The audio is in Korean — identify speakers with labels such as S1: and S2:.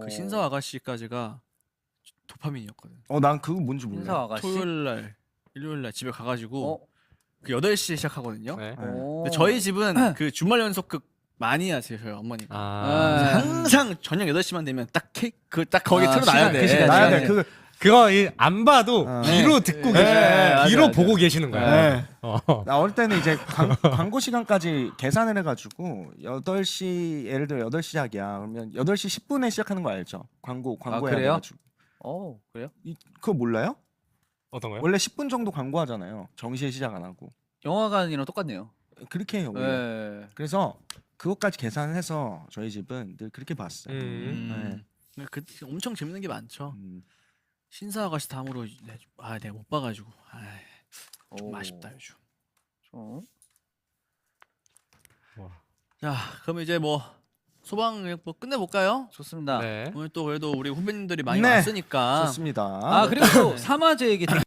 S1: 그 신사 아가씨까지가 도파민이었거든.
S2: 난 그거 뭔지
S3: 신사
S2: 몰라.
S3: 아가씨.
S1: 토요일 날, 일요일 날 집에 가가지고
S3: 어?
S1: 그 8시에 시작하거든요.
S4: 네.
S1: 근데 저희 집은 그 주말 연속극 많이 하세요, 저희 어머니가.
S4: 아.
S1: 항상 저녁 8시만 되면 딱 케이크 딱 거기
S3: 아,
S1: 틀어놔야
S3: 시간,
S1: 돼.
S3: 그 시간에.
S2: 나야
S3: 시간에.
S2: 돼. 그거
S4: 그거 안 봐도 귀로 듣고 계시는 귀로
S3: 맞아.
S4: 보고 계시는 거야.
S2: 네.
S4: 어.
S2: 나 어릴 때는 이제 광고 시간까지 계산을 해가지고 8시 예를 들어 8시 시작이야. 그러면 8시 10분에 시작하는 거 알죠? 광고 해야
S3: 그래요?
S2: 돼가지고.
S3: 그래요?
S2: 그거 몰라요?
S4: 어떤 거요?
S2: 원래 10분 정도 광고하잖아요. 정시에 시작 안 하고.
S3: 영화관이랑 똑같네요.
S2: 그렇게 해요. 원래.
S3: 네.
S2: 그래서 그것까지 계산해서 저희 집은 늘 그렇게 봤어요.
S1: 그 엄청 재밌는 게 많죠.
S2: 음.
S1: 신사 아가씨 다음으로 내가 못 봐가지고 좀
S3: 오.
S1: 아쉽다 요즘.
S3: 어?
S1: 자, 그럼 이제 뭐 소방 뭐 끝내볼까요?
S3: 좋습니다.
S4: 네.
S1: 오늘 또 그래도 우리 후배님들이 많이
S2: 네.
S1: 왔으니까
S2: 좋습니다.
S3: 아 그리고 또 사마제 얘기